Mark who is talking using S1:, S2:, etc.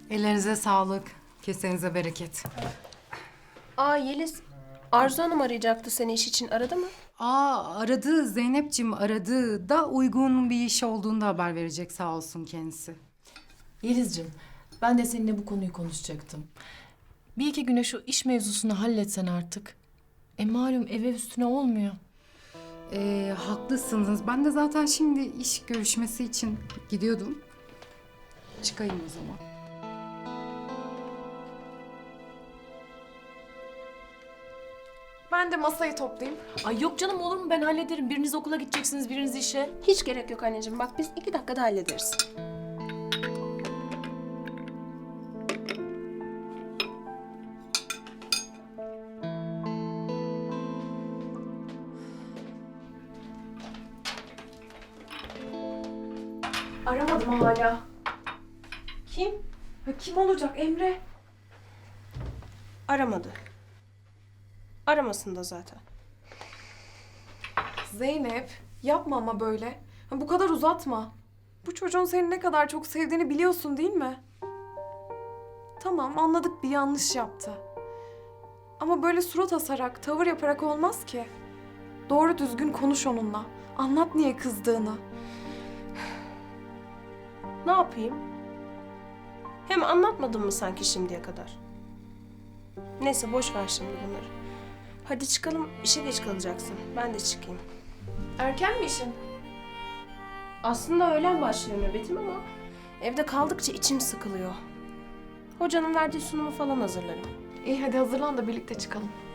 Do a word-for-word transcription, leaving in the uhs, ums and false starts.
S1: Ellerinize sağlık. Kesenize bereket.
S2: Aa Yeliz, Arzu Hanım arayacaktı seni iş için. Aradı mı?
S1: Aa aradı Zeynep'ciğim aradı da uygun bir iş olduğunda haber verecek sağ olsun kendisi.
S3: Yeliz'cim, ben de seninle bu konuyu konuşacaktım. Bir iki güne şu iş mevzusunu halletsen artık. E malum ev ev üstüne olmuyor.
S1: Ee, haklısınız. Ben de zaten şimdi iş görüşmesi için gidiyordum. Çıkayım o zaman.
S4: Ben de masayı toplayayım.
S3: Ay yok canım, olur mu? Ben hallederim. Biriniz okula gideceksiniz, biriniz işe.
S2: Hiç gerek yok anneciğim. Bak biz iki dakikada hallederiz.
S4: Aramadım hala.
S2: Kim?
S4: Ya kim olacak Emre?
S2: Aramadı. Aramasın da zaten.
S4: Zeynep yapma ama böyle. Ha, bu kadar uzatma. Bu çocuğun seni ne kadar çok sevdiğini biliyorsun değil mi? Tamam anladık bir yanlış yaptı. Ama böyle surat asarak, tavır yaparak olmaz ki. Doğru düzgün konuş onunla. Anlat niye kızdığını.
S2: Ne yapayım? Hem anlatmadın mı sanki şimdiye kadar? Neyse boş ver şimdi bunları. Hadi çıkalım, işe geç kalacaksın. Ben de çıkayım.
S4: Erken mi işin?
S2: Aslında öğlen başlıyor nöbetim ama evde kaldıkça içim sıkılıyor. Hocanın verdiği sunumu falan hazırlarım.
S4: İyi hadi hazırlan da birlikte çıkalım.